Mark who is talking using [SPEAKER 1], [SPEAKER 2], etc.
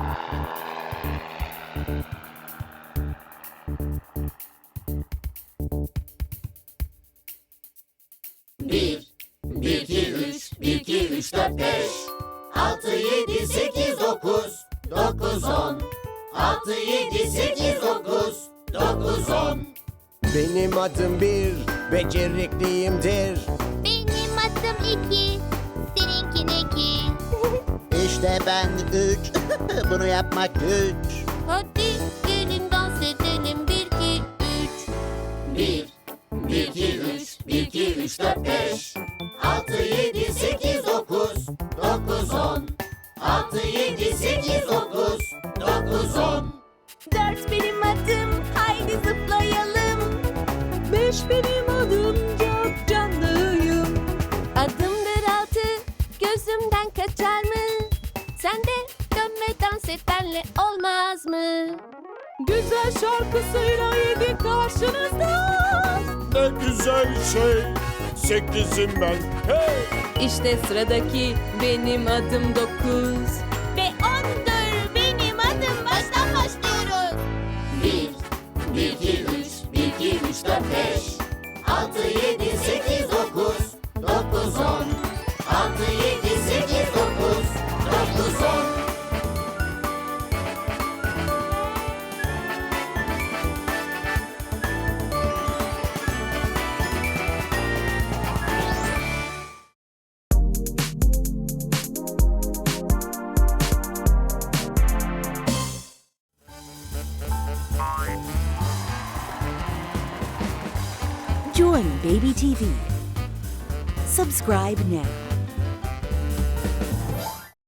[SPEAKER 1] Bir, 2, 3, 4, 5, 6, 7, 8, 9, 9, 10. 6, 7, 8, 9, 9, 10.
[SPEAKER 2] Benim adım bir, becerikliyimdir.
[SPEAKER 3] Benim adım 2, seninki ne ki?
[SPEAKER 4] İşte ben 3. Bunu yapmak güç.
[SPEAKER 3] Hadi gelin dans edelim 1, 2, 3.
[SPEAKER 1] 1, 2, 3, 2, 3, 4, 5, 6, 7, 8, 9, 9, 10. 6, 7, 8, 9, 9, 10.
[SPEAKER 3] 4 benim adım, haydi zıplayalım.
[SPEAKER 5] 5 benim adım, çok canlıyım.
[SPEAKER 3] Adımdır 6, gözümden kaçar mı? Sen de dön ve dans et benle, olmaz mı?
[SPEAKER 5] Güzel şarkısıyla 7 karşınızda.
[SPEAKER 2] Ne güzel şey, 8'im ben. Hey!
[SPEAKER 5] İşte sıradaki benim adım 9.
[SPEAKER 3] Ve 10'dur benim adım, baştan başlıyoruz.
[SPEAKER 1] 1, 2, 3, 2, 3, 4, 5, 6, 7, 8, 9, 9, 10. 6, 7, 8, 9, 9, 10.
[SPEAKER 6] Join Baby TV. Subscribe now.